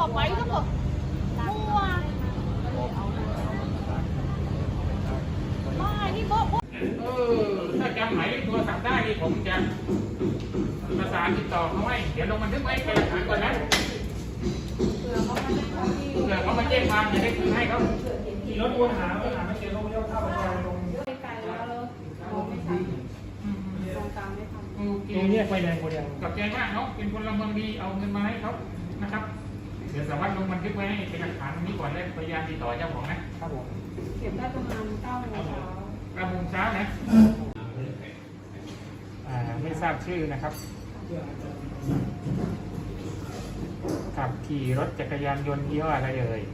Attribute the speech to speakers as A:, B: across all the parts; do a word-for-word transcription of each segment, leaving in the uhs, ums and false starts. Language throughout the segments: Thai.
A: บอกไว้ต้องบอกมั่วไม่นี่บอก
B: เออถ้าจำหมายเลขโทรศัพท์ได้นี่ผมจะประสานติดต่อเขาไว้เดี๋ยวลงบันทึกไว้เป็นหลักฐานก่อนนะเผื่อเขามาแจ้งความจะได้คืนให้เขาขี่รถวนหาหาไม่เจอเขาไม่ยอมเข้าไปลง
A: ไกลแล้วเราไม่ทันตรงตามไม่ทัน
B: ตรงนี้ไปไหนคนเดียวกับใจมากเนาะเป็นคนละเมืองดีเอาเงินมาให้เขานะครับเดี๋ยวสามารถลงบันทึกไว้เป็นหลักฐานตรงนี้ก่อนแล้วพยายามติดต่อเจ้าของนะครับผม
A: เก็บได้ประมาณเก้าโมงเช้า
B: เก้าโมงเช้านะอ่าไม่ทราบชื่อนะครับขับขี่รถจักรยานยนต์ยี่ห้ออะไรเอ่ย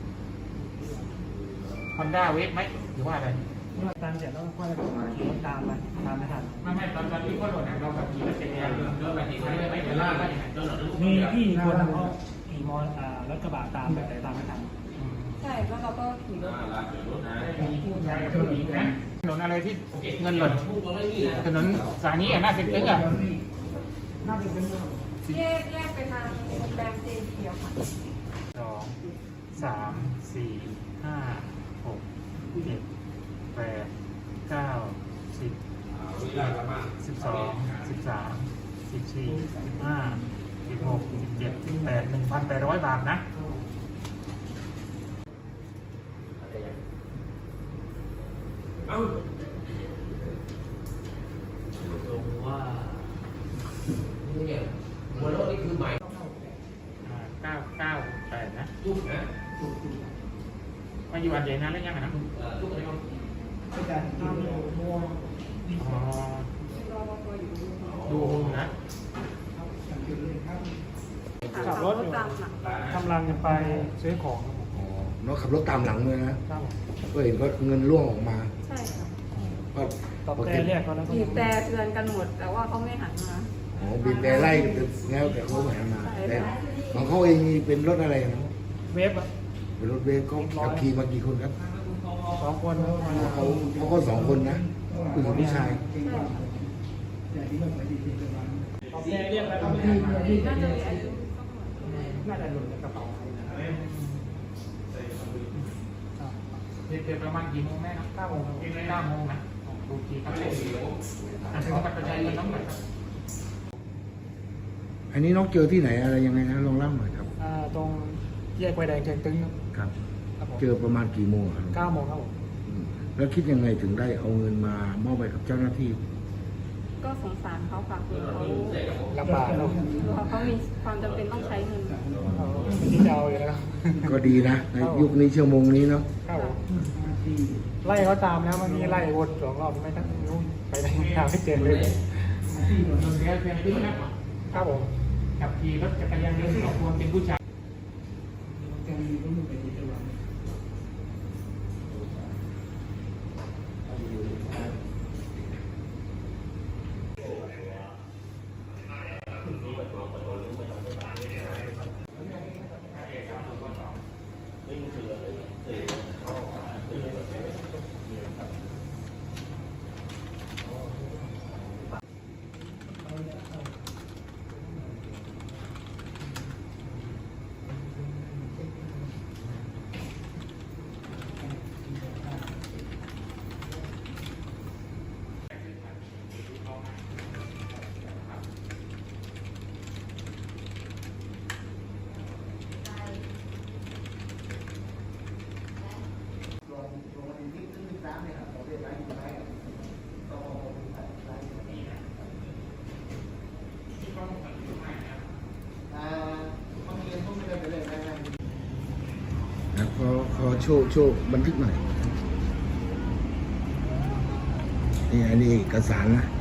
B: Honda Wave ไหมหรือว่าอะไร
C: เมื่อตามเสร็จแล้วก็ค่อยมาขี่รถตามมาตามไม่ทัน
B: ไม่ไม่ตอนตอนที่พ่อหลวงเราขับขี่รถจักรยานยนต์เยอะแบบนี้ไม่ไม่เห็นล่าไม่เห็น
C: มีพี่คนเขาขี่มอเตอร์รถกระบะตามแต่ตามไม่ทัน
A: ใช่แล้วเราก็ขี่รถ
B: มีผู้ชายกับผู้หญิงนะถนนอะไรที่เงินหล่นถนนสายนี้อ่ะน่าเป็นตึ้งอ่ะ
C: น่าจะเป็น
A: แยกแยกไปทางโรงแรมเจนเขียวค่ะ
B: สองสามสี่ห้าหกเจ็ดแปดเก้าสิบสิบสองสิบสามสิบสี่สิบห้าสิบหกสิบเจ็ดสิบแปดหนึ่งพันแปดร้อยบาทนะ
D: เอ้าลงว่าเนี่ยหัวรถนี่คือใหม่
B: เก้าเก้าแปดนะ
D: ทุกนะ
B: มาอยู่อันใหญ่นานแล้วยังไงนะ
D: ทุกอะไรครับ
C: อาจารย์ที่มัว
B: อ๋อดูนะ
C: ขับรถกำลังจะไปซื้อของ
E: อ๋อน้องขับรถตามหลังเลยนะก็เห็นก็เงินร่วงออกมา
A: ใช่ค่ะ
E: ก็
C: ตบแต่เรียกเขาแล้ว
A: บีบแต่เตือนกันหมดแต่ว่าเขาไม่หันมา
E: อ๋อบีบแต่ไล่แล้วแต่เขาไม่หันมาแต่ของเขาเองเป็นรถอะไรนะ
C: เวฟอะ
E: เป็นรถเวฟเขาขับขี่มากี่คนครับ
C: สองคน
E: เขาเขาก็สองคนนะผู้หญิงผู้ชาย
C: ตบแต่เรียกแล้วก็ไม่
A: น่าจะมีอายุ
C: น่าจะหล่นในกระเป๋า
B: เด็กๆประมาณกี่โมงแม่นะเก้าโมงเก้าโมงนะดูทีครับอ่ะขอบัตรประชาชนน้องหน่อยครับ
E: อันนี้น้องเจอที่ไหนอะไรยังไงนะลองเล่าหน่อยครับ
C: อ่าตรงแยกไฟแดงเชียงตึ้ง
E: ครับเจอประมาณกี่โมงครับ
C: เก้าโมงครับผม
E: แล้วคิดยังไงถึงได้เอาเงินมามอบไปกับเจ้าหน้าที่
A: ก็สงสารเขาฝากคือเขา
C: ลำบากเนาะ
A: เขามีความจำเป็นต้องใช้เงิน
C: ที่จะเอาอยู่แล้ว
E: ก็ดีนะในยุคนี้ชั่วโมงนี้เนาะ
C: ไล่เขาตามแล้วเมื่อกี้ไล่วนสองรอบไม่ต้องรู้ไปไหนหาไม่เจอเลยครับผม
B: ขับขี่รถจักรยานยนต์สองคนเป็นผู้ชาย
E: นะขอขอโชว์โชว์บันทึกหน่อยนี่อันนี้เอกสารนะ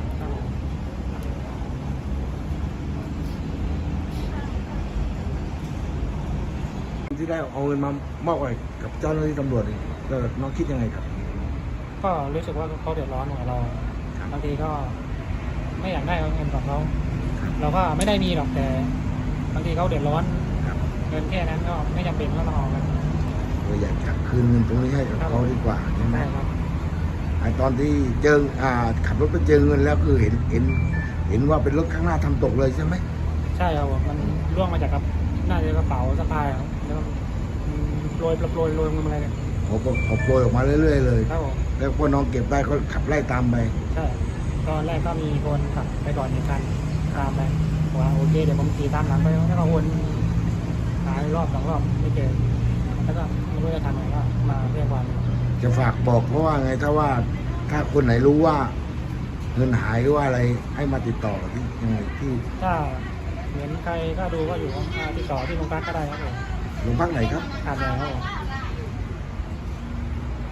E: ที่ได้เอาเงินมามอบไว้กับเจ้าหน้าที่ตำรวจนี่ก็น้องคิดยังไงครับ
C: ก็รู้สึกว่าเขาเดือดร้อนหน่อยเราบางทีก็ไม่อยากได้เงินของเขาเราก็ไม่ได้มีหรอกแต่บางทีเขาเดือดร้อนเงินแค่นั้นก็ไม่จำเป็นต้องเอากัน
E: เราอยากจะคืนเงินตรงนี้ให้กับเขาดีกว่าใช่ไหมครับไอตอนที่เจออ่าขับรถไปเจอเงินแล้วคือเห็นเห็นเห็นว่าเป็นรถข้างหน้าทำตกเลยใช่ไหม
C: ใช่ครับมันร่วงมาจากน่าจะกระเป๋าสะพายครับแล้วอืมโปรยโปรยโรยเงินอะไรเนี่ย
E: เขาก็เขาโปรยออกมาเรื่อยๆเลย
C: ครับผม
E: แล้วพอน้องเก็บได้ก็ขับไล่ตามไป
C: ใช่ตอนแรกก็มีคนขับไปก่อนหนึ่งคันตามไปบอกว่าโอเคเดี๋ยวผมขี่ตามหลังไปแล้วก็วนหายรอบสองรอบไม่เจอแล้วก็ไม่รู้จะทำไงก็มาเรียกความ
E: จะฝากบอกเพราะว่าไงถ้าว่าถ้าคนไหนรู้ว่า เงินหายหรือว่าอะไรให้มาติดต่อที่ยังไงที่
C: ถ้าเหมือนใครก็ดูก็อยู่ว่าติดต่อที่โรงพักก็ได้ครับผม
E: โรงพักไหนครับ
C: ขาดแรงครับผม